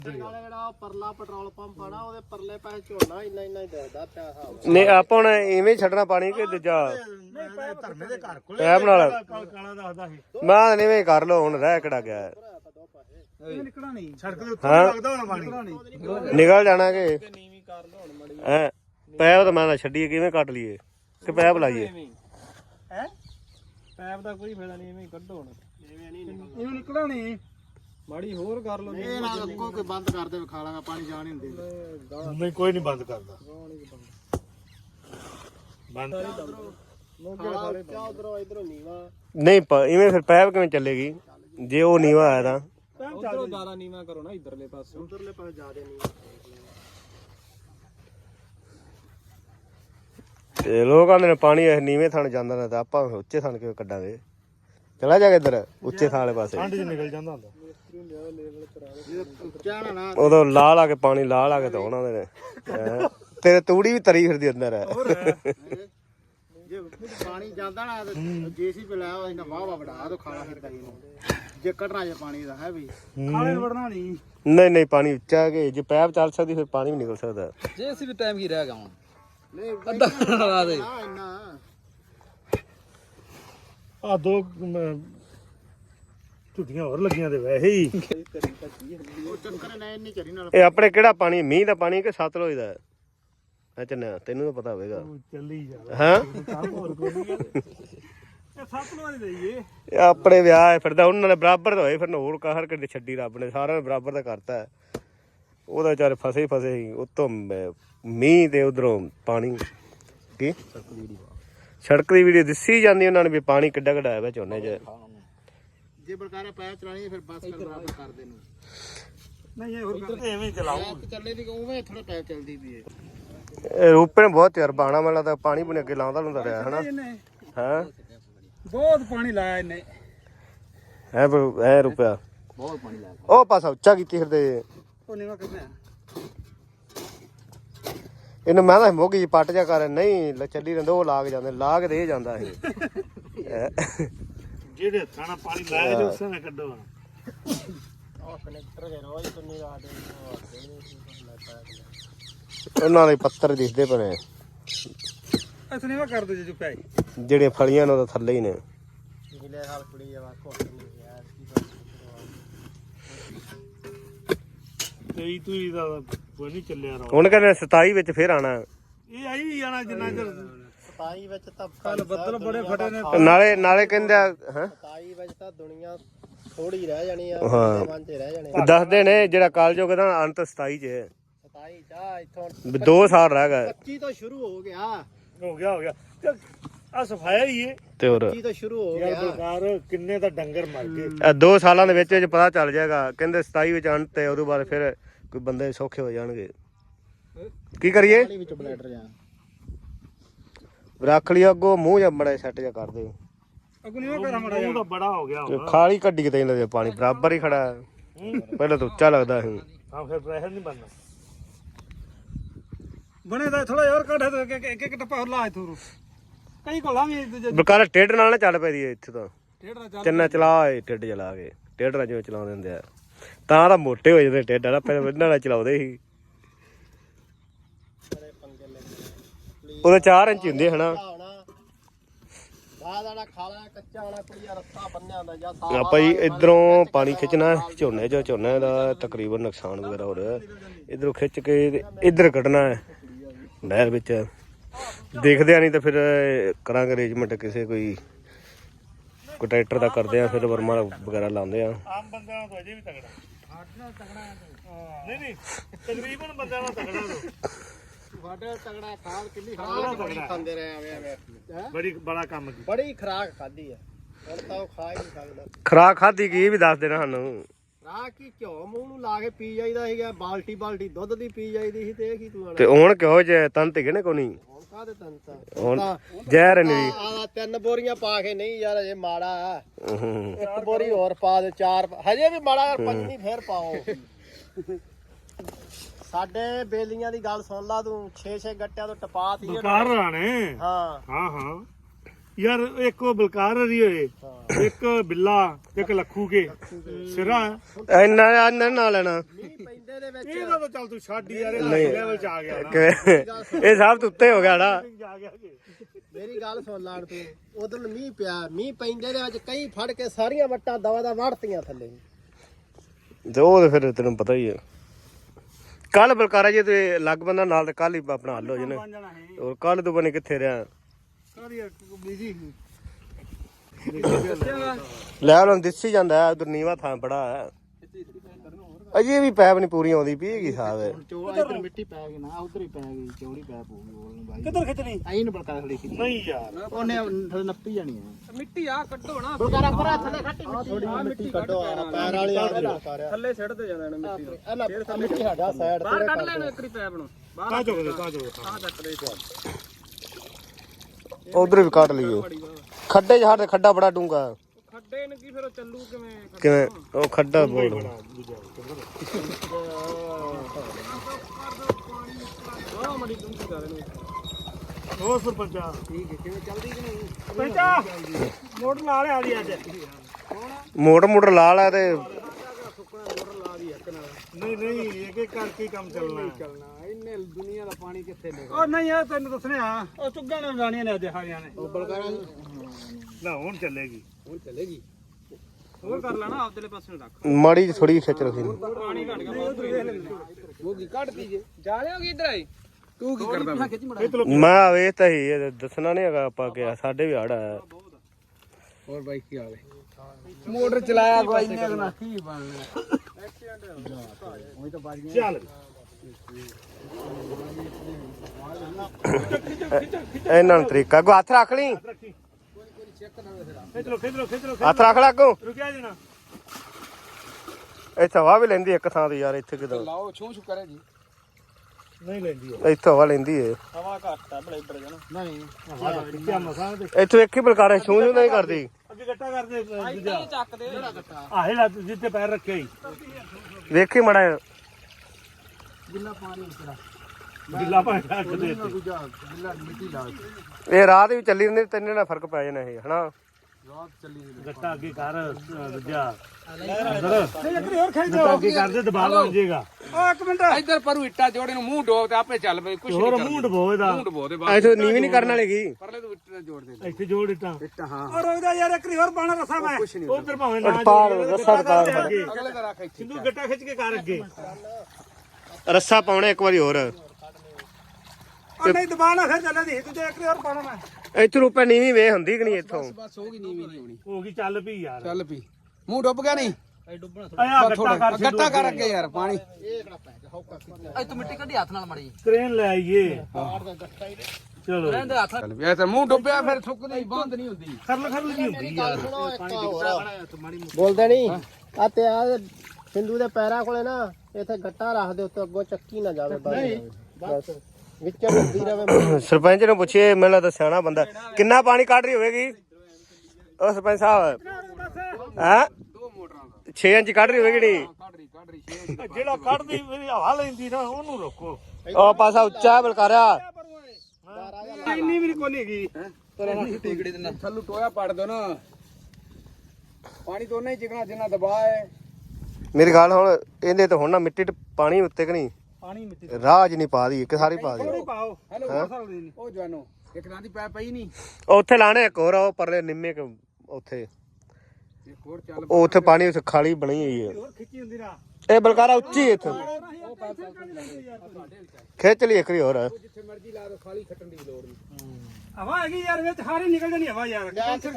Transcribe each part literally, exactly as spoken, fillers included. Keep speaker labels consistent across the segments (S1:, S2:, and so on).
S1: ਜਿਹੜਾ ਪਰਲਾ petrol pump ਆ ਨਾ ਉਹਦੇ ਪਰਲੇ ਪਾਸੇ ਝੋਨਾ ਇੰਨਾ ਇੰਨਾ ਹੀ ਦਿਖਦਾ ਪਿਆ ਹਿਸਾਬ
S2: ਨਹੀਂ ਆਪਾਂ ਹੁਣ ਇਵੇਂ ਛੱਡਣਾ ਪਾਣੀ ਕਿ ਦੂਜਾ
S1: ਧਰਮੇ ਦੇ ਘਰ ਕੋਲ
S2: ਪੈਪ ਨਾਲ
S1: ਕਾਲਾ ਦੱਸਦਾ ਸੀ
S2: ਮੈਂ ਇਵੇਂ ਕਰ ਲੋ ਹੁਣ ਰਹਿ ਕਿਹੜਾ ਗਿਆ
S1: ਨਿਕਲਣਾ ਨਹੀਂ ਸੜਕ ਦੇ ਉੱਤੇ ਲੱਗਦਾ ਹੁਣ ਪਾਣੀ
S2: ਨਿਕਲ ਜਾਣਾ ਕਿ ਨੀਵੀਂ ਕਰ ਲੋ ਹੁਣ ਮੜੀ ਹੈ ਪੈਪ ਤਾਂ ਮੈਂ ਨਾ ਛੱਡੀਏ ਕਿਵੇਂ ਕੱਟ ਲਈਏ ਕਿ ਪੈਪ ਲਾਈਏ
S1: ਹੈ ਪੈਪ ਦਾ ਕੋਈ ਫਾਇਦਾ ਨਹੀਂ ਐਵੇਂ ਕੱਢੋ ਹੁਣ ਐਵੇਂ ਨਹੀਂ ਨਿਕਲਣਾ ਐਵੇਂ ਨਿਕਲਣਾ ਨਹੀਂ ਮਾੜੀ ਹੋਰ ਕਰ ਲੋ ਇਹ ਨਾ ਅੱਗੋਂ ਕੋਈ ਬੰਦ ਕਰ ਦੇ ਵਿਖਾ ਲਾਂਗਾ ਪਾਣੀ ਜਾਣ ਹੀ ਹੁੰਦੇ ਨਹੀਂ ਕੋਈ ਨਹੀਂ ਬੰਦ ਕਰਦਾ ਬੰਦ ਉਧਰੋਂ ਇਧਰੋਂ ਨੀਵਾ
S2: ਨਹੀਂ ਇਵੇਂ ਫਿਰ ਪੈਪ ਕਿਵੇਂ ਚੱਲੇਗੀ ਜੇ ਉਹ ਨੀਵਾ ਆਇਆ ਤਾਂ
S1: ਉਧਰੋਂ ਜ਼ਿਆਦਾ ਨੀਵਾ ਕਰੋ ਨਾ ਇਧਰਲੇ ਪਾਸੇ ਉਧਰਲੇ ਪਾਸੇ ਜ਼ਿਆਦਾ ਨੀਵਾ
S2: ਤੇ ਲੋਕਾਂ ਨੇ ਪਾਣੀ ਇਹ ਨੀਵੇਂ ਥਾਂ ਜਾਂਦਾ ਨਾ ਤਾਂ ਆਪਾਂ ਉੱਚੇ ਥਾਂ ਕਿਉਂ ਕੱਢਾਂਗੇ ਚਲਾ ਜਾ ਕੇ ਇੱਧਰ ਉੱਚੇ ਥਾਂ ਵਾਲੇ ਪਾਸੇ
S1: ਠੰਡ 'ਚ ਨਿਕਲ ਜਾਂਦਾ ਹੁੰਦਾ
S2: ਉਦੋਂ ਲਾ ਲਾ ਕੇ ਪਾਣੀ ਲਾ ਲਾ ਕੇ ਧੋਣਾ ਦੇ ਨੇ ਤੇਰੇ ਤੂੜੀ ਵੀ ਤਰੀ ਫਿਰਦੀ ਅੰਦਰ ਹੈ
S1: ਜੇ ਪਾਣੀ ਜਾਂਦਾ ਨਾ ਜੇਸੀਬੀ ਲਾਇਆ ਹੋਇਆ ਇਹਨਾਂ ਵਾਹ ਵਾਹ ਵੜਾ ਦੋ ਖਾਲਾ ਫਿਰਦਾ ਇਹਨੂੰ ਜੇ ਕੱਢਣਾ ਜੇ ਪਾਣੀ ਦਾ ਹੈ ਵੀ ਖਾਲੇ ਵੜਨਾ ਨਹੀਂ
S2: ਨਹੀਂ ਨਹੀਂ ਪਾਣੀ ਉੱਚਾ ਕਿ ਜੇ ਪੈਪ ਚੱਲ ਸਕਦੀ ਫਿਰ ਪਾਣੀ ਵੀ ਨਿਕਲ ਸਕਦਾ
S3: ਜੇਸੀਬੀ ਟਾਈਮ ਕੀ ਰਹਿ ਗਿਆ ਹੁਣ
S1: ਨਹੀਂ ਅੱਧਾ ਲਾ ਦੇ ਇੰਨਾ ਆ ਦੋ ਝੁੱਟੀਆਂ ਹੋਰ ਲੱਗੀਆਂ ਤੇ ਵੈਸੇ ਹੀ ਉਹ ਚੱਕਰ ਨੇ ਇੰਨੀ ਚਰੀ ਨਾਲ
S2: ਇਹ ਆਪਣੇ ਕਿਹੜਾ ਪਾਣੀ ਮੀਂਹ ਦਾ ਪਾਣੀ ਕਿ ਸਤਲੁਜ ਦਾ ਹੈ ਚੰਨਾ ਤੈਨੂੰ ਤਾਂ ਪਤਾ ਹੋਵੇਗਾ
S1: ਚੱਲੀ ਜਾ
S2: ਹਾਂ
S1: ਇਹ ਸਤਲੁਜ ਦੇ ਹੀ
S2: ਇਹ ਆਪਣੇ ਵਿਆਹ ਫਿਰਦਾ ਉਹਨਾਂ ਨਾਲ ਬਰਾਬਰ ਹੋਏ ਫਿਰ ਹੋਰ ਕਾਹਰ ਕਿੱਡੇ ਛੱਡੀ ਰੱਬ ਨੇ ਸਾਰਿਆਂ ਨੇ ਬਰਾਬਰ ਦਾ ਕਰਤਾ ਉਹਦਾ ਵਿਚਾਰੇ ਫਸੇ ਫਸੇ ਸੀ ਉਤੋਂ ਮੀਂਹ ਤੇ ਉਧਰੋਂ ਪਾਣੀ ਕੀ ਸੜਕ ਦੀ ਵੀਡੀਓ ਦਿੱਸੀ ਜਾਂਦੀ ਉਹਨਾਂ ਨੇ ਵੀ ਪਾਣੀ ਕਿੱਡਾ ਕਿੱਡਾ ਆਇਆ ਝੋਨੇ 'ਚ
S1: ਜੇ ਬਲਕਾਰਾ ਪੈਪ ਚਲਾਣੀ ਫਿਰ ਬਸ ਕਰ ਬਰਾਬਰ ਕਰ ਦੇ ਨੂੰ ਨਹੀਂ ਇਹ ਹੋਰ ਕਰ ਐਵੇਂ ਚਲਾਓ ਚੱਲੇ ਦੀ ਉਵੇਂ ਥੋੜਾ ਪੈਪ ਚੱਲਦੀ ਵੀ ਹੈ
S2: ਰੂਪੇ ਨੇ ਬਹੁਤ ਤਜਰਬਾ ਆਣਾ ਮੈਨੂੰ ਲੱਗਦਾ ਪਾਣੀ ਪੁਣੀ ਅੱਗੇ ਲਾਉਂਦਾ ਲੁੰਦਾ ਰਿਹਾ ਹਨਾ ਹਾਂ
S1: ਬਹੁਤ ਪਾਣੀ ਲਾਇਆ ਇਹਨੇ
S2: ਹੈ ਹੈ ਰੁਪਿਆ
S3: ਬਹੁਤ ਪਾਣੀ ਲਾਇਆ
S2: ਉਹ ਪਾਸਾ ਉੱਚਾ ਕੀਤੀ ਫਿਰਦੇ
S1: ਉਹ ਨੀਵਾ ਕਿੰਨਾ
S2: ਇਹਨੂੰ ਮੈਂ ਤਾਂ ਮੋਗੀ ਜੀ ਪੱਟ ਜਾ ਕਰ ਨਹੀਂ ਚੱਲੀ ਰਹਿੰਦਾ ਉਹ ਲਾਗ ਜਾਂਦੇ ਲਾਗ ਦੇ ਜਾਂਦਾ ਇਹ
S1: ਜਿਹੜੇ ਹੱਥਾਂ ਨਾਲ ਪਾਣੀ ਲਾਇਆ ਜੋ ਉਸੇ ਨਾਲ ਕੱਢੋ ਉਹ ਕਨੈਕਟਰ ਦੇ ਰੋਜ਼ ਤੁੰਨੀ ਰਾਤ
S2: ਉਹਨਾਂ ਦੇ ਪੱਤਰ ਦਿਖਦੇ ਪਏ
S1: ਐਸੇ ਨੀਵਾ ਕਰ ਦੋ ਜੇ ਪਿਆ
S2: ਜਿਹੜੇ ਫਲੀਆਂ ਨੇ ਉਹ ਥੱਲੇ ਹੀ ਨੇ
S1: ਪਿਛਲੇ ਸਾਲ ਕੁੜੀ ਆ ਕੋਟ ਨਹੀਂ ਯਾਰ ਤੇਈ ਤੂੰ ਦਾ ਕੋਈ ਨਹੀਂ ਚੱਲਿਆ ਰੋ
S2: ਹੁਣ ਕਹਿੰਦੇ ਸਤਾਈ ਵਿੱਚ ਫੇਰ ਆਣਾ
S1: ਇਹ ਆਈ ਵੀ ਜਾਣਾ ਜਿੰਨਾ ਚਿਰ ਸਤਾਈ ਵਿੱਚ ਤਾਂ ਕੱਲ ਬੱਦਲ ਬੜੇ ਫਟੇ ਨੇ
S2: ਨਾਲੇ ਨਾਲੇ ਕਹਿੰਦੇ ਹਾਂ
S1: ਸਤਾਈ ਵਿੱਚ ਤਾਂ ਦੁਨੀਆ ਥੋੜੀ ਰਹਿ ਜਾਣੀ ਆ ਮਨ ਤੇ ਰਹਿ ਜਾਣੇ
S2: ਦੱਸਦੇ ਨੇ ਜਿਹੜਾ ਕਾਲਜੋਗ ਦਾ ਅੰਤ ਸਤਾਈ ਚ ਹੈ
S1: ਸਤਾਈ ਚਾ ਇੱਥੋਂ
S2: ਦੋ ਸਾਲ ਰਹਿ ਗਏ
S1: ਪੱਚੀ ਤੋਂ ਸ਼ੁਰੂ ਹੋ ਗਿਆ ਹੋ ਗਿਆ ਹੋ ਗਿਆ ਆ ਸਫਾਇਆ ਹੀ ਏ
S2: ਤੇ ਹੋਰ
S1: ਪੱਚੀ ਤੋਂ ਸ਼ੁਰੂ ਹੋ ਗਿਆ ਯਾਰ ਬਲਕਾਰ ਕਿੰਨੇ ਤਾਂ ਡੰਗਰ ਮਰ ਗਏ
S2: ਇਹ ਦੋ ਸਾਲਾਂ ਦੇ ਵਿੱਚ ਵਿੱਚ ਪਤਾ ਚੱਲ ਜਾਏਗਾ ਕਹਿੰਦੇ ਸਤਾਈ ਵਿੱਚ ਅੰਤ ਤੇ ਉਹਦੇ ਬਾਅਦ ਫਿਰ ਕੋਈ ਬੰਦੇ ਸੌਖੇ ਹੋ ਜਾਣਗੇ ਕੀ ਕਰੀਏ
S1: ਵਿੱਚ ਬਲੈਡਰ ਜਾ
S2: ਰੱਖ ਲਈ ਅੱਗੋਂ ਮੂੰਹ ਜਾਂ ਬੜਾ ਸੈੱਟ ਜਾ ਕਰ ਦੇ
S1: ਅੱਗੋਂ ਨਹੀਂ ਕਰ ਮੜਾ ਮੂੰਹ ਤਾਂ ਬੜਾ ਹੋ ਗਿਆ
S2: ਖਾਲੀ ਕੱਢੀ ਕਿਤੇ ਇਹਨਾਂ ਦੇ ਪਾਣੀ ਬਰਾਬਰ ਹੀ ਖੜਾ ਪਹਿਲਾਂ ਤਾਂ ਉੱਚਾ ਲੱਗਦਾ ਸੀ
S1: ਹਾਂ ਫਿਰ ਪ੍ਰੈਸ਼ਰ ਨਹੀਂ ਬਣਨਾ ਬਣੇ ਦਾ ਥੋੜਾ ਹੋਰ ਕੱਢ ਇੱਕ ਇੱਕ ਇੱਕ ਟੱਪਾ ਹੋਰ ਲਾ ਇਥੋਂ ਕਈ ਕੋਲਾਂ ਵੀ
S2: ਬਲਕਾਰ ਟੇਡ ਨਾਲ ਨਾ ਚੱਲ ਪੈਦੀ ਇੱਥੇ ਤਾਂ
S1: ਟੇਡ ਦਾ
S2: ਚੰਨਾ ਚਲਾ ਏ ਟੇਡ ਚਲਾ ਕੇ ਟੇਡ ਨਾਲ ਜਿਵੇਂ ਚਲਾਉਂਦੇ ਹੁੰਦੇ ਆ ਤਾਂ ਤਾਂ ਮੋਟੇ ਹੋ ਜਾਂਦੇ ਟੇਡ ਨਾਲ ਪਹਿਲਾਂ ਇਹਨਾਂ ਨਾਲ ਚਲਾਉਂਦੇ ਸੀ ਉਹਦੇ ਚਾਰ ਇੰਚ ਹੁੰਦੇ ਹਨਾ ਆਪਾਂ ਜੀ ਇਧਰੋਂ ਪਾਣੀ ਖਿੱਚਣਾ ਝੋਨੇ ਚ ਝੋਨੇ ਦਾ ਤਕਰੀਬਨ ਨੁਕਸਾਨ ਵਗੈਰਾ ਹੋ ਰਿਹਾ ਇਧਰੋਂ ਖਿੱਚ ਕੇ ਇੱਧਰ ਕੱਢਣਾ ਹੈ ਨਹਿਰ ਵਿੱਚ ਦੇਖਦੇ ਆ ਨਹੀਂ ਤਾਂ ਫਿਰ ਕਰਾਂਗੇ ਅਰੇਂਜਮੈਂਟ ਕਿਸੇ ਕੋਈ ਕੋਈ ਟਰੈਕਟਰ ਦਾ ਕਰਦੇ ਆ ਫਿਰ ਵਰਮਾ ਵਗੈਰਾ ਲਾਉਂਦੇ ਆ
S1: ਆਮ ਬੰਦਿਆਂ ਨਾਲ ਅਜੇ ਵੀ ਤਗੜਾ ਨਹੀਂ ਨਹੀਂ ਤਕਰੀਬਨ ਬੰਦਿਆਂ ਨਾਲ ਤਗੜਾ ਵਾਡਾ ਤਗੜਾ ਖਾਲ ਕਿੰਨੀ ਖਰਾਕ ਖਾਂਦੇ ਰਹੇ ਆਵੇਂ ਆਵੇਂ ਬੜੀ ਬੜਾ ਕੰਮ ਕੀ ਬੜੀ ਖਰਾਕ ਖਾਦੀ ਹੈ ਹੁਣ ਤਾਂ ਉਹ ਖਾ ਹੀ ਨਹੀਂ ਸਕਦਾ
S2: ਖਰਾਕ ਖਾਦੀ ਕੀ ਵੀ ਦੱਸ ਦੇਣਾ ਸਾਨੂੰ
S1: ਖਰਾਕ ਕੀ ਘਿਓ ਮੂੰਹ ਨੂੰ ਲਾ ਕੇ ਪੀ ਜਾਈਦਾ ਸੀਗਾ ਬਾਲਟੀ ਬਾਲਟੀ ਦੁੱਧ ਦੀ ਪੀ ਜਾਈਦੀ ਸੀ ਤੇ ਇਹ ਕੀ ਤੂੰ
S2: ਤੇ ਹੁਣ ਕਿਹੋ ਜੇ ਤਨ ਤੇ ਨੇ ਕੋਣੀ
S1: ਹੁਣ ਕਾਹਦੇ ਤਨ ਤਾਂ
S2: ਹੁਣ ਜ਼ਹਿਰ ਨਹੀਂ
S1: ਆ ਤਿੰਨ ਬੋਰੀਆਂ ਪਾ ਕੇ ਨਹੀਂ ਯਾਰ ਇਹ ਮਾੜਾ ਇੱਕ ਬੋਰੀ ਹੋਰ ਪਾ ਦੇ ਚਾਰ ਹਜੇ ਵੀ ਮਾੜਾ ਯਾਰ ਪੰਜਵੀਂ ਫੇਰ ਪਾਓ ਸਾਡੇ ਬੇਲੀਆਂ ਦੀ ਗੱਲ ਸੁਣ ਲਾ ਤੂੰ ਛੇ ਛੇ ਗੱਟਿਆਂ ਤੋਂ ਟਪਾਤੀ
S4: ਬਕਾਰ ਰਾਣੇ
S1: ਹਾਂ
S4: ਹਾਂ ਹਾਂ
S1: ਯਾਰ ਇੱਕ ਉਹ ਬਲਕਾਰ ਹਰੀ ਹੋਏ ਇੱਕ ਬਿੱਲਾ ਇੱਕ ਲੱਖੂ ਕੇ ਸਿਰਾ
S2: ਇੰਨਾ ਇੰਨਾ ਨਾ ਲੈਣਾ
S3: ਪੈਂਦੇ ਦੇ ਵਿੱਚ
S1: ਇਹਦਾ ਤਾਂ ਚੱਲ ਤੂੰ ਛੱਡ ਯਾਰ ਇਹ ਲੈਵਲ ਚ ਆ ਗਿਆ ਨਾ
S2: ਕਿਵੇਂ? ਇਹ ਸਭ ਤੋਂ ਉੱਤੇ ਹੋ ਗਿਆ ਨਾ
S1: ਜਾ ਗਿਆ ਕਿ
S3: ਮੇਰੀ ਗੱਲ ਸੁਣ ਲਾਣ ਤੂੰ ਉਦੋਂ ਮੀਂਹ ਪਿਆ ਮੀਂਹ ਪੈਂਦੇ ਦੇ ਵਿੱਚ ਕਈ ਫੜ ਕੇ ਸਾਰੀਆਂ ਵੱਟਾਂ ਦਵਾ ਦਾ ਵੜਤੀਆਂ ਥੱਲੇ
S2: ਤੇ ਉਹ ਤੇ ਫਿਰ ਤੈਨੂੰ ਪਤਾ ਹੀ ਹੈ ਕੱਲ ਬਲਕਾਰਾ ਜੇ ਤੇ ਲੱਗ ਬੰਦਾ ਨਾਲ ਤੇ ਕੱਲ ਹੀ ਆਪਣਾ ਹੱਲ ਹੋ ਜਾਣਾ
S1: ਬਣ ਜਾਣਾ ਹੈ
S2: ਹੋਰ ਕੱਲ ਤੋਂ ਬਣੇ ਕਿੱਥੇ ਰਿਹਾ
S1: ਸਾਰੀ ਬੀਜੀ
S2: ਲੈ ਹੁਣ ਦਿਸੀ ਜਾਂਦਾ ਉਧਰ ਨੀਵਾ ਥਾਂ ਬੜਾ ਹੈ ਅਜੇ ਵੀ ਪੈਪ ਨਹੀਂ ਪੂਰੀ ਆਉਂਦੀ ਪੀ ਕੀ ਹਿਸਾਬ ਹੈ
S3: ਚੋੜਾ ਇੱਧਰ ਮਿੱਟੀ ਪੈ ਗਈ ਨਾ ਉਧਰ ਹੀ ਪੈ ਗਈ ਚੌੜੀ ਪੈ ਪਊਗੀ ਬੋਲ ਨੂੰ ਬਾਈ
S1: ਕਿੱਧਰ ਖਿੱਚਣੀ
S3: ਐਂ ਨੂੰ ਬਲਕਾਰ ਥੋੜੀ ਖਿੱਚ
S1: ਨਹੀਂ ਯਾਰ
S3: ਉਹਨੇ ਥੋੜੀ ਨੱਪੀ ਜਾਣੀ ਹੈ
S4: ਮਿੱਟੀ ਆ ਕੱਢੋ ਨਾ
S3: ਬਲਕਾਰਾ ਪਰਾ ਥੱਲੇ ਖੱਟੀ ਮਿੱਟੀ ਥੋੜੀ ਮਿੱਟੀ ਕੱਢੋ ਪੈਰ ਵਾਲੀ ਆ ਬਲਕਾਰਾ
S4: ਥੱਲੇ ਸਿੱਟ ਤੇ ਜਾਂਦਾ ਇਹਨੂੰ ਮਿੱਟੀ ਨੂੰ
S3: ਇਹ ਮਿੱਟੀ ਸਾਡਾ ਸਾਈਡ
S4: ਬਾਹਰ ਕੱਢ ਲੈਣ ਇੱਕ ਰੀ ਪੈਪ ਨੂੰ ਬਾਹਰ
S1: ਕਾ ਚੁੱਕ ਦੇ ਕਾ ਚੁੱਕ
S4: ਆ ਚੱਕ ਦੇ
S2: ਉਧਰ ਵੀ ਕੱਢ ਲਈਓ ਖੱਡੇ ਚ ਸਾਡੇ ਖੱਡਾ ਬੜਾ ਡੂੰਗਾ
S4: ਖੱਡੇ ਨੂੰ ਕੀ ਫਿਰ ਉਹ ਚੱਲੂ ਕਿਵੇਂ
S2: ਕਿਵੇਂ ਉਹ ਖੱਡਾ ਬੋਲ
S4: ਆ ਮੜੀ ਡੂੰਗੀ ਕਰ ਇਹਨੂੰ
S1: ਉਹ ਸਰਪੰਚਾ
S3: ਠੀਕ ਹੈ ਕਿਵੇਂ ਚੱਲਦੀ ਕਿ ਨਹੀਂ
S1: ਸਰਪੰਚਾ ਮੋਟਰ ਲਾ ਲਿਆ ਦੀ ਅੱਜ
S2: ਮੋਟਰ ਮੋਟਰ ਲਾ ਲਾ ਤੇ
S1: ਨਹੀਂ ਨਹੀਂ ਇੱਕ ਇੱਕ ਕਰਕੇ ਹੀ ਕੰਮ ਚੱਲਣਾ
S3: ਚੱਲਣਾ ਇੰਨੇ ਦੁਨੀਆ ਦਾ ਪਾਣੀ ਕਿੱਥੇ ਲੈ
S1: ਉਹ ਨਹੀਂ ਯਾਰ ਤੈਨੂੰ ਦੱਸਣਿਆ ਉਹ ਚੁੱਗਾਂ ਨੇ ਜਾਣੀਆਂ ਨੇ ਅੱਜ ਹਾਰਿਆਂ ਨੇ
S3: ਉਹ ਬਲਕਾਰਾ
S1: ਨਾ ਹੁਣ ਚੱਲੇਗੀ
S3: ਹੁਣ ਚੱਲੇਗੀ
S4: ਹੋਰ ਕਰ ਲੈਣਾ ਆਪਦੇ ਪਾਸੇ ਨੂੰ ਰੱਖ
S2: ਮਾੜੀ ਜਿਹੀ ਥੋੜੀ ਖਿੱਚ ਰੱਖੀ
S4: ਪਾਣੀ ਘਟ ਗਿਆ
S3: ਉਹ ਕੀ ਕੱਢਦੀ ਜੇ
S4: ਜਾ ਲਿਓਗੀ ਇਧਰ ਆਈ ਤੂੰ ਕੀ ਕਰਦਾ
S3: ਖਿੱਚ ਮੜਾ
S2: ਮੈਂ ਵੇਖ ਤਾਂ ਹੀ ਇਹ ਦੱਸਣਾ ਨਹੀਂ ਹੈਗਾ ਆਪਾਂ ਕਿ ਸਾਡੇ ਵੀ ਹੜ ਆਇਆ
S3: ਹੋਰ ਬਾਈ ਕੀ ਹਾਲ ਹੈ ਮੋਟਰ ਚਲਾਇਆ ਕੋਈ ਇੰਨੇ ਨਾ ਕੀ ਬਣਨਾ
S1: ਚੱਲ
S2: ਇਹਨਾਂ ਨੂੰ ਤਰੀਕਾ ਅੱਗੋਂ ਹੱਥ ਰੱਖ ਲਈ
S1: ਰੱਖੀ ਖਿੱਚ ਲੋ ਖਿੱਚ ਲੋ ਖਿੱਚ ਲੋ
S2: ਹੱਥ ਰੱਖ ਲੈ ਅੱਗੋਂ
S1: ਰੁਕਿਆ ਜਣਾ
S2: ਇੱਥੇ ਹਵਾ ਵੀ ਲੈਂਦੀ ਇੱਕ ਥਾਂ ਤੇ ਯਾਰ ਇੱਥੇ ਕਿਦੋਂ
S3: ਲਾਓ ਛੂ ਛੂ ਕਰੇ ਜੀ
S1: ਨਹੀਂ ਲੈਂਦੀ
S2: ਇੱਥੇ ਹਵਾ ਲੈਂਦੀ ਏ
S4: ਹਵਾ ਘੱਟ ਆ ਬਲੇਡਰ ਜਣਾ
S3: ਨਹੀਂ
S1: ਆਹ ਕਿਆ ਮਸਾਂ ਤੇ
S2: ਇੱਥੇ ਵੇਖੀ ਬਲਕਾਰਾ ਛੂੰ ਛੂੰ ਨਹੀਂ ਕਰਦੀ
S1: ਅੱਗੇ ਗੱਟਾ ਕਰਦੇ ਦੂਜਾ
S4: ਇਹ ਚੱਕ ਦੇ
S1: ਆਹੇ ਲੱਤ ਜਿੱਤੇ ਪੈਰ ਰੱਖਿਆ ਹੀ
S2: ਵੇਖੀ ਮੜਾ
S3: ਜਿੰਨਾ ਪਾਣੀ ਉਤਰਾ
S1: ਗਿੱਲਾ ਪਾਣੀ ਰੱਖ ਦੇ
S3: ਦੂਜਾ ਜਿੰਨਾ ਮਿੱਟੀ ਲਾ
S2: ਇਹ ਰਾਤ ਵੀ ਚੱਲੀ ਰਹਿੰਦੀ ਤੈਨੂੰ ਨਾਲ ਫਰਕ ਪੈ ਜਾਣਾ ਇਹ ਹਨਾ
S3: ਰਾਤ ਚੱਲੀ
S1: ਗੱਟਾ ਅੱਗੇ ਕਰ ਅਹ, ਦੂਜਾ ਅੰਦਰ ਨਹੀਂ ਇੱਕ ਹੋਰ ਖਿੱਚ ਦੋ ਅੱਗੇ ਕਰਦੇ ਦਬਾਅ ਬਣ ਜਾਏਗਾ ਓ ਇੱਕ ਮਿੰਟ
S4: ਇੱਧਰ ਪਰੂ ਇੱਟਾ ਜੋੜੇ ਨੂੰ ਮੂੰਹ ਡੋਬ ਤੇ ਆਪੇ ਚੱਲ ਪਏ ਕੁਛ
S1: ਹੋਰ ਮੂੰਹ ਡਬੋ ਇਹਦਾ
S4: ਮੂੰਹ ਡਬੋ ਦੇ ਬਾਅਦ
S2: ਇੱਥੇ ਨੀਵੀਂ ਨਹੀਂ ਕਰਨ ਵਾਲੇਗੀ
S4: ਪਰਲੇ ਤੋਂ ਇੱਟਾ ਜੋੜ ਦੇ
S1: ਇੱਥੇ ਜੋੜ ਇਟਾਂ
S4: ਇੱਟਾ ਹਾਂ
S1: ਔਰ ਉਹਦਾ ਯਾਰ ਇੱਕ ਹੋਰ ਪਾਣਾ ਰਸਾ ਮੈਂ ਉਧਰ ਭਾਵੇਂ ਨਾ
S2: ਪਾੜ,
S1: ਜੋੜੀਏ,
S2: ਰੱਸਾ
S1: ਗੱਟਾ
S2: ਪਾੜ।
S1: ਕਰ ਅੱਗੇ।
S4: ਅਗਲੇ ਦਾ ਰੱਖ ਇੱਥੇ
S1: ਸਿੰਧੂ ਗੱਟਾ ਖਿੱਚ ਕੇ ਕਰ ਅੱਗੇ
S2: ਰੱਸਾ ਪਾਉਣਾ ਇੱਕ ਵਾਰੀ ਹੋਰ
S1: ਉਹ ਨਹੀਂ ਦਬਾਅ ਨਾ ਫਿਰ ਚੱਲੇ ਦੀ ਤੂੰ ਇੱਕ ਹੋਰ ਪਾਣਾ ਮੈਂ
S2: ਇੱਥੇ ਰੁਪਏ ਨੀਵੀਂ ਵੇ ਹੁੰਦੀ ਕਿ ਨਹੀਂ ਇੱਥੋਂ
S3: ਬਸ ਹੋ ਗਈ ਨੀਵੀਂ ਨਹੀਂ ਹੋਣੀ
S1: ਹੋ ਗਈ ਚੱਲ ਪਈ ਯਾਰ
S3: ਚੱਲ ਪੀ ਮੂੰਹ ਡੁੱਬ ਗਿਆ ਨਹੀਂ
S1: ਆਇਆ ਗੱਟਾ ਕਰ ਸਿੰਧੂ
S3: ਗੱਟਾ ਕਰ ਅੱਗੇ ਯਾਰ ਪਾਣੀ
S4: ਐ ਤੂੰ ਮਿੱਟੀ ਕੱਢੀ ਹੱਥ ਨਾਲ ਮੜੀ
S1: ਕ੍ਰੇਨ ਲੈ ਆਈਏ ਚਲੋ
S4: ਰਹਿੰਦੇ ਹੱਥ
S3: ਚੱਲ ਵੀ ਇਹ ਤਾਂ ਮੂੰਹ ਡੁੱਬਿਆ ਫਿਰ ਸੁੱਕਦੀ ਬੰਦ ਨਹੀਂ ਹੁੰਦੀ
S1: ਖਰਲ ਖਰਲ ਜੀ ਹੁੰਦੀ ਯਾਰ
S3: ਬੋਲਦੇ ਨਹੀਂ ਆ ਤੇ ਆ ਸਿੰਧੂ ਦੇ ਪੈਰਾਂ ਕੋਲੇ ਨਾ ਇੱਥੇ ਗੱਟਾ ਰੱਖ ਦੇ ਉੱਤੇ ਅੱਗੋਂ ਚੱਕੀ ਨਾ ਜਾਵੇ ਬਸ ਵਿੱਚ ਹੁੰਦੀ ਰਵੇ
S2: ਸਰਪੰਚ ਨੂੰ ਪੁੱਛੀਏ ਮੈਨੂੰ ਲੱਗਦਾ ਸਿਆਣਾ ਬੰਦਾ ਕਿੰਨਾ ਪਾਣੀ ਕੱਢ ਰਹੀ ਹੋਵੇਗੀ ਉਹ ਸਰਪੰਚ ਸਾਹਿਬ ਹਾਂ
S4: ਦੋ ਮੋਟਰਾਂ ਦਾ
S2: ਛੇ ਇੰਚ ਕੱਢ ਰਹੀ ਹੋਵੇਗੀ ਨਹੀਂ
S4: ਕੱਢ ਰਹੀ ਕੱਢ ਰਹੀ ਛੇ
S1: ਜਿਹੜਾ ਕੱਢਦੀ ਮੇਰੀ ਹਵਾ ਲੈਂਦੀ ਨਾ ਉਹਨੂੰ ਰੋਕੋ
S2: ਉਹ ਪਾਸਾ ਉੱਚਾ ਹੈ ਬਲਕਾਰਾ
S1: ਇੰਨੀ ਵੀ ਕੋਈ ਨਹੀਂ ਗਈ
S4: ਤੇਰਾ ਨਾ ਟਿਕੜੀ ਦੇ ਨਾਲ ਥੱਲੂ ਟੋਇਆ ਪੜ ਦੋ ਨਾ ਪਾਣੀ ਤੋਂ ਨਹੀਂ ਚਿਕਣਾ ਜਿੰਨਾ ਦਬਾਅ ਹੈ
S2: ਮੇਰੀ ਗੱਲ ਹੁਣ ਇਹਦੇ ਤੇ ਹੁਣ ਨਾ ਮਿੱਟੀ ਤੇ ਪਾਣੀ ਉੱਤੇ ਕਿ ਨਹੀਂ
S1: ਪਾਣੀ ਮਿੱਟੀ
S2: ਰਾਹ ਚ ਨਹੀਂ ਪਾ ਦੀ ਇੱਕ ਸਾਰੀ ਪਾ ਦੀ
S1: ਥੋੜੀ ਪਾਓ
S4: ਹੈਲੋ
S1: ਹੋ ਸਕਦੀ ਨਹੀਂ
S4: ਉਹ ਜਵਾਨੋ ਇੱਕ ਨਾਂ ਦੀ ਪੈ ਪਈ ਨਹੀਂ
S2: ਉਹ ਉੱਥੇ ਲਾਣੇ ਇੱਕ ਹੋਰ ਆ, ਉਹ ਪਰਲੇ ਨਿੰਮੇ ਕੁ ਉੱਥੇ
S4: ਇੱਕ ਹੋਰ ਚੱਲ
S2: ਉਹ ਉੱਥੇ ਪਾਣੀ ਉੱਥੇ ਖਾਲੀ ਬਣੀ ਹੋਈ ਹੈ
S1: ਹੋਰ ਖਿੱਚੀ ਹੁੰਦੀ ਨਾ
S2: ਇਹ ਬਲਕਾਰਾ ਉੱਚੀ ਹੈ ਇੱਥੇ ਖਿੱਚ ਲਈ ਇੱਕ ਵਾਰੀ ਹੋਰ
S4: ਜਿੱਥੇ ਮਰਜ਼ੀ ਲਾ ਦੋ ਖਾਲੀ ਖੱਟਣ ਦੀ ਲੋੜ ਨਹੀਂ
S1: ਹਵਾ ਹੈਗੀ ਯਾਰ ਵਿੱਚ ਹਾਰੀ ਨਿਕਲ ਜਾਣੀ ਹਵਾ ਯਾਰ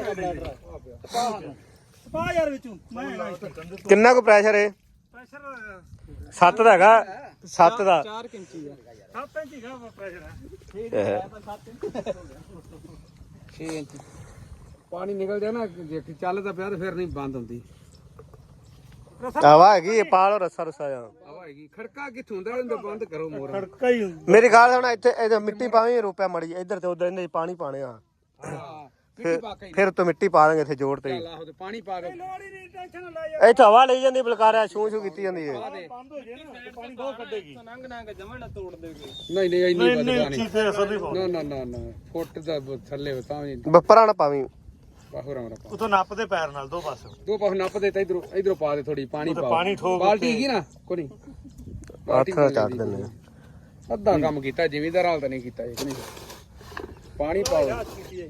S1: ਸਪਾ ਯਾਰ ਵਿੱਚੋਂ ਮੈਂ ਹੈਗਾ ਇੱਥੇ
S2: ਕਿੰਨਾ ਕੁ ਪ੍ਰੈਸ਼ਰ ਹੈ
S1: ਪ੍ਰੈਸ਼ਰ
S2: ਸੱਤ ਦਾ ਹੈਗਾ ਸੱਤ ਦਾ
S4: ਚਾਰ ਇੰਚੀ ਆ
S1: ਸੱਤ ਇੰਚ ਦਾ ਪ੍ਰੈਸ਼ਰ ਹੈ
S4: ਛੇ ਇੰਚ ਪਾਣੀ ਨਿਕਲ ਜਾ ਨਾ ਜੇ ਚੱਲਦਾ ਪਿਆ ਤਾਂ ਫਿਰ ਨਹੀਂ ਬੰਦ ਹੁੰਦੀ
S2: ਹਵਾ ਹੈਗੀ ਇਹ ਪਾ ਲਓ ਰੱਸਾ ਰੱਸਾ ਜਾਂ
S4: ਹਵਾ ਹੈਗੀ ਖੜਕਾ ਕਿੱਥੋਂ ਹੁੰਦਾ ਇਹਨੂੰ ਬੰਦ ਕਰੋ ਮੋਰ
S1: ਖੜਕਾ ਹੀ
S2: ਮੇਰੀ ਗੱਲ ਸੁਣ ਇੱਥੇ ਇਹ ਮਿੱਟੀ ਪਾਵੇਂ ਰੁਪਿਆ ਮੜੀ ਇੱਧਰ ਤੇ ਉਧਰ ਇਹਦੇ ਚ ਪਾਣੀ ਪਾਣੇ ਆ
S4: ਮਿੱਟੀ ਪਾ ਕੇ
S2: ਫਿਰ ਤੋਂ ਮਿੱਟੀ ਪਾ ਦਾਂਗੇ ਇੱਥੇ ਜੋੜ ਤੇ
S4: ਚੱਲ ਆਹੋ ਤੇ ਪਾਣੀ ਪਾ ਦੇ
S1: ਲੋੜੀ ਨਹੀਂ ਟੈਨਸ਼ਨ ਨਾ ਲੈ
S2: ਇੱਥੇ ਹਵਾ ਲਈ ਜਾਂਦੀ ਬਲਕਾਰਿਆ ਛੂ ਛੂ ਕੀਤੀ ਜਾਂਦੀ ਹੈ
S1: ਬੰਦ ਹੋ ਜੇ ਨਾ ਤੇ ਪਾਣੀ ਬਹੁਤ ਕੱਢੇਗੀ
S3: ਨੰਗ ਨੰਗ ਜਮਣ ਨਾ ਤੋੜ ਦੇਗੇ
S4: ਨਹੀਂ ਨਹੀਂ ਇੰਨੀ ਵੱਧ
S1: ਨਹੀਂ
S4: ਪਾਣੀ
S1: ਚੀਜ਼ ਤੇ ਅਸਰ ਨਹੀਂ ਪਾਉਂਦਾ
S4: ਨਾ ਨਾ ਨਾ ਨਾ ਫੁੱਟ ਦਾ ਥੱਲੇ ਹੋ ਤਾਂ ਵੀ
S2: ਬੱਪਰਾਂ ਨਾ ਪਾਵੀਂ
S4: ਬਾਹਰ ਆਉਣਾ ਪਾ
S1: ਉਤੋਂ ਨੱਪਦੇ ਪੈਰ ਨਾਲ ਦੋ ਪਾਸੇ
S4: ਦੋ ਪਾਸ ਨੱਪ ਦੇ ਤਾਂ ਇਧਰੋਂ ਇਧਰੋਂ ਪਾ ਦੇ ਥੋੜੀ ਪਾਣੀ
S1: ਉਹ ਤਾਂ
S4: ਪਾ
S1: ਪਾਣੀ ਠੋਕ
S4: ਬਾਲਟੀ ਹੈਗੀ ਨਾ ਕੋਈ ਨਹੀਂ
S2: ਹੱਥ ਨਾਲ ਚੱਟ ਦਿੰਦੇ ਆ।
S4: ਅੱਧਾ ਕੰਮ ਕੀਤਾ ਜ਼ਿਮੀਂਦਾਰ ਹਾਲ ਤਾਂ ਨਹੀਂ ਕੀਤਾ ਇਹ ਨਹੀਂ ਪਾਣੀ ਪਾਓ ਹਾਂ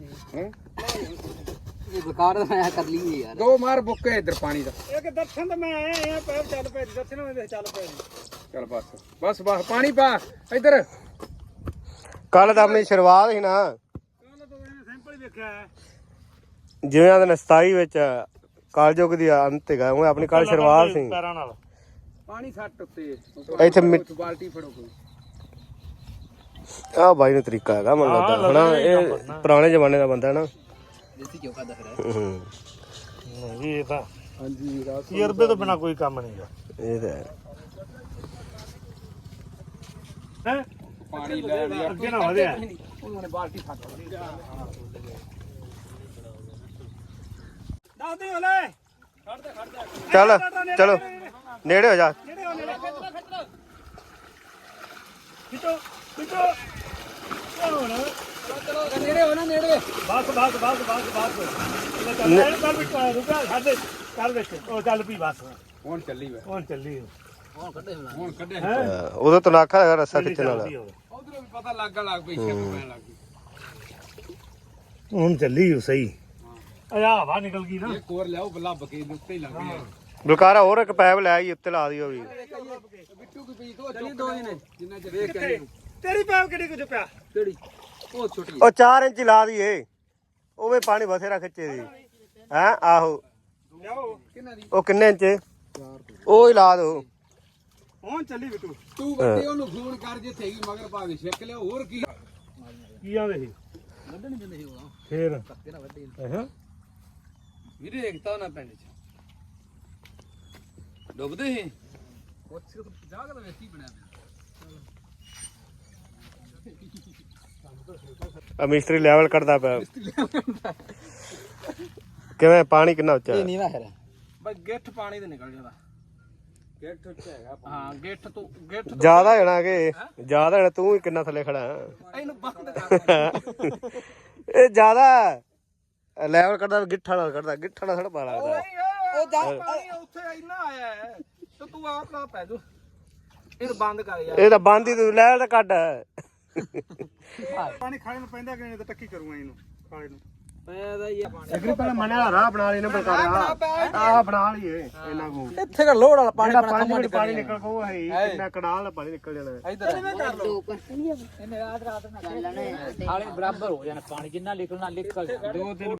S3: ਇਹ ਬਕਾਰ ਦਾ ਆਇਆ ਕਰ ਲਈ ਯਾਰ
S4: ਦੋ ਮਾਰ ਬੁੱਕੇ ਇਧਰ ਪਾਣੀ ਦਾ
S1: ਇੱਕ ਦਰਸ਼ਨ ਤੇ ਮੈਂ ਆਇਆ ਆ ਪੈਰ ਚੱਲ ਪਏ ਦਰਸ਼ਨ ਵਿੱਚ ਚੱਲ ਪਏ
S4: ਚੱਲ ਬਸ ਬਸ ਬਸ ਪਾਣੀ ਪਾ ਇਧਰ
S2: ਕੱਲ ਤਾਂ ਆਪਣੀ ਸ਼ੁਰੂਆਤ ਸੀ ਨਾ
S1: ਕੱਲ ਤੋਂ ਇਹਨੇ ਸੈਂਪਲ ਵੇਖਿਆ ਹੈ
S2: ਜਿਵੇਂ ਆਂਦੇ ਸਤਾਈ ਵਿੱਚ ਕਾਲਜੋਗ ਦੀ ਅੰਤ ਹੈਗਾ ਉਹ ਆਪਣੀ ਕੱਲ ਸ਼ੁਰੂਆਤ ਸੀ
S1: ਪੈਰਾਂ ਨਾਲ
S4: ਪਾਣੀ ਸੱਟ ਉੱਤੇ
S2: ਇੱਥੇ ਮਿੱਟ-
S4: ਬਾਲਟੀ ਫੜੋ ਕੋਈ
S2: ਆਹ ਬਾਈ ਨੂੰ ਤਰੀਕਾ ਹੈਗਾ ਮੈਨੂੰ ਲੱਗਦਾ ਹਨਾ ਇਹ ਪੁਰਾਣੇ ਜ਼ਮਾਨੇ ਦਾ ਬੰਦਾ ਹੈ ਨਾ
S3: ਦੇਸੀ ਘਿਓ ਦਾ ਫਿਰ
S2: ਹੂੰ
S1: ਨਹੀਂ ਇਹ ਤਾਂ
S4: ਹਾਂਜੀ ਰਾਤ
S1: ਤਜਰਬੇ ਤੋਂ ਬਿਨਾ ਕੋਈ ਕੰਮ ਨਹੀਂ
S2: ਇਹ ਤਾਂ ਹੈ।
S1: ਹੈ
S4: ਪਾਣੀ ਲੈ ਲਿਆ
S1: ਅੱਗੇ ਨਾ ਵਧਿਆ
S4: ਉਹਨਾਂ ਨੇ ਬਾਲਟੀ ਫੜ ਲਈ
S1: ਦੱਸ ਦੇ ਹਲੇ
S2: ਚੱਲ ਚਲੋ ਨੇੜੇ ਹੋ ਜਾ
S1: ਜਿਹੜੇ ਉਹ ਨੇੜੇ ਖਿੱਚੋ ਖਿੱਚੋ ਹੁਣ
S4: ਨੇੜੇ ਹੋ ਨਾ ਨੇੜੇ
S1: ਬਸ ਬਸ ਬਸ ਬਸ ਬਸ ਇਹ ਚੱਲ ਇਹ ਚੱਲ ਵੀ ਰੁਕਾ ਸਾਡੇ ਚੱਲ ਵਿੱਚ ਉਹ ਚੱਲ ਪਈ ਬਸ
S4: ਹੁਣ ਚੱਲੀ ਵੇ
S1: ਹੁਣ ਚੱਲੀ
S4: ਹੁਣ ਕੱਢੇ
S1: ਹੈ
S2: ਅਹ ਉਦੋਂ ਤੋਂ ਨਾਖਾ ਹੈਗਾ ਰੱਸਾ ਖਿੱਚਣ ਵਾਲਾ
S4: ਉਧਰੋਂ ਵੀ ਪਤਾ ਲੱਗਣ ਲੱਗ ਪਈ ਸ਼ੱਕ ਪੈਣ ਲੱਗ ਗਈ
S1: ਹੁਣ ਚੱਲੀ ਉਹ ਸਹੀ ਆ ਹਵਾ ਨਿਕਲ ਗਈ ਨਾ
S4: ਇੱਕ ਹੋਰ ਲਿਆਓ ਲੱਭ ਕੇ ਇਹਦੇ ਉੱਤੇ ਹੀ ਲੱਗ ਗਈ
S2: ਬਲਕਾਰਾ ਹੋਰ ਇੱਕ ਪੈਪ ਲੈ ਆਈ ਉੱਤੇ ਲਾ ਦਿਓ ਵੀ
S4: ਬਿੱਟੂ ਕੀ ਪੀ ਦੋ ਦੋ ਨੇ ਜਿੰਨਾ ਚਿਰ ਵੇਖ ਕੇ
S1: ਤੇਰੀ ਪੈਪ ਕਿਹੜੀ ਕੁ ਚੁੱਪਿਆ
S4: ਕਿਹੜੀ ਉਹ ਛੋਟੀ
S2: ਉਹ ਚਾਰ ਇੰਚ ਲਾ ਦਈਏ ਉਹ ਵੀ ਪਾਣੀ ਬਥੇਰਾ ਖਿੱਚੇ ਦੀ ਹੈ ਆਹੋ
S1: ਲਿਆਓ
S4: ਕਿੰਨਾ ਦੀ
S2: ਉਹ ਕਿੰਨੇ ਇੰਚ ਉਹ ਹੀ ਲਾ ਦੋ
S1: ਹੁਣ ਚੱਲੀ ਬਿੱਟੂ
S4: ਤੂੰ ਵੱਡੇ ਉਹਨੂੰ ਫੋਨ ਕਰ ਜੇ ਥੇਗੀ ਮਗਰ ਪਾ ਕੇ ਛਿੱਕ ਲਿਆ ਹੋਰ ਕੀ
S1: ਕੀ ਆਵੇ ਸੀ
S3: ਵੱਢਣ ਨਹੀਂ ਦਿੰਦੇ ਸੀ ਉਹ
S1: ਫੇਰ
S3: ਧੱਕੇ ਨਾਲ ਵੱਢੇ
S1: ਅੱਛਾ
S4: ਵੀਰੇ ਦੇਖਤਾ ਨਾ ਪਿੰਡ ਚ ਡੁੱਬਦੇ ਸੀ ਉਹ ਸਿਰਫ ਜਾਗ ਦਾ ਵੇਖੀ ਬਣਿਆ
S2: ਆ ਮਿਸਤਰੀ ਲੈਵਲ ਕੱਢਦਾ ਪਿਆ ਕਿਵੇਂ ਪਾਣੀ ਕਿੰਨਾ ਉੱਚਾ ਹੈ?
S3: ਨਹੀਂ ਨਾ ਹੈ
S4: ਬਈ ਗਿੱਠ ਪਾਣੀ ਤੇ ਨਿਕਲ ਜਾਂਦਾ ਗਿੱਠ ਉੱਚਾ ਹੈਗਾ ਹਾਂ ਗਿੱਠ ਤੋਂ ਗਿੱਠ
S2: ਜ਼ਿਆਦਾ ਹੋਣਾ ਕਿ ਜ਼ਿਆਦਾ ਹੋਣਾ ਤੂੰ ਹੀ ਕਿੰਨਾ ਥੱਲੇ ਖੜਾ
S4: ਇਹਨੂੰ ਬੰਦ ਕਰ
S2: ਇਹ ਜ਼ਿਆਦਾ ਲੈਵਲ ਕੱਢਦਾ ਗਿੱਠਾ ਨਾਲ ਕੱਢਦਾ ਗਿੱਠਾ ਨਾਲ ਥੋੜਾ ਪਾ ਲੱਗਦਾ
S4: ਉਹ ਜਾ ਪਾਣੀ ਉੱਥੇ ਇੰਨਾ ਆਇਆ ਹੈ ਤੇ ਤੂੰ ਆਪ ਨਾ ਪੈ ਜਾ ਇਹ ਬੰਦ ਕਰ ਯਾਰ
S2: ਇਹ ਤਾਂ ਬੰਦ ਹੀ ਤੂੰ ਲੈਵਲ ਤਾਂ ਕੱਢ
S1: ਪਾਣੀ ਖਾਣੇ ਨੂੰ ਪੈਂਦਾ ਕਿ ਨਹੀਂ ਤਾਂ ਟੱਕੀ ਕਰੂੰਗਾ ਇਹਨੂੰ ਖਾਣੇ ਨੂੰ
S3: ਪੈਦਾ ਹੀ ਪਾਣੀ
S2: ਅਗਰੀ ਪਹਿਲਾਂ ਮੰਨਿਆ ਰਾਹ ਬਣਾ ਲਈ ਨਾ ਬਲਕਾਰਾ ਆਹ ਬਣਾ ਲਈਏ ਇਹਨਾਂ ਨੂੰ
S3: ਇੱਥੇ ਦਾ ਲੋੜ ਵਾਲਾ ਪਾਣੀ
S2: ਜਿਹੜਾ ਪੰਜ ਮਿੰਟ ਪਾਣੀ ਨਿਕਲ ਕੋ ਹੈ ਕਿੰਨਾ ਕਨਾਲ ਪਾਣੀ ਨਿਕਲ ਜਾਣਾ
S3: ਇਧਰ ਕਰ ਲੋ ਇਹਨੇ ਰਾਤ ਰਾਤ ਨਾਲ ਚੱਲਣੇ ਹਾਲੇ ਬਰਾਬਰ ਹੋ ਜਾਣਾ ਪਾਣੀ ਜਿੰਨਾ ਨਿਕਲਣਾ ਨਿਕਲ
S4: ਦੋ ਤਿੰਨ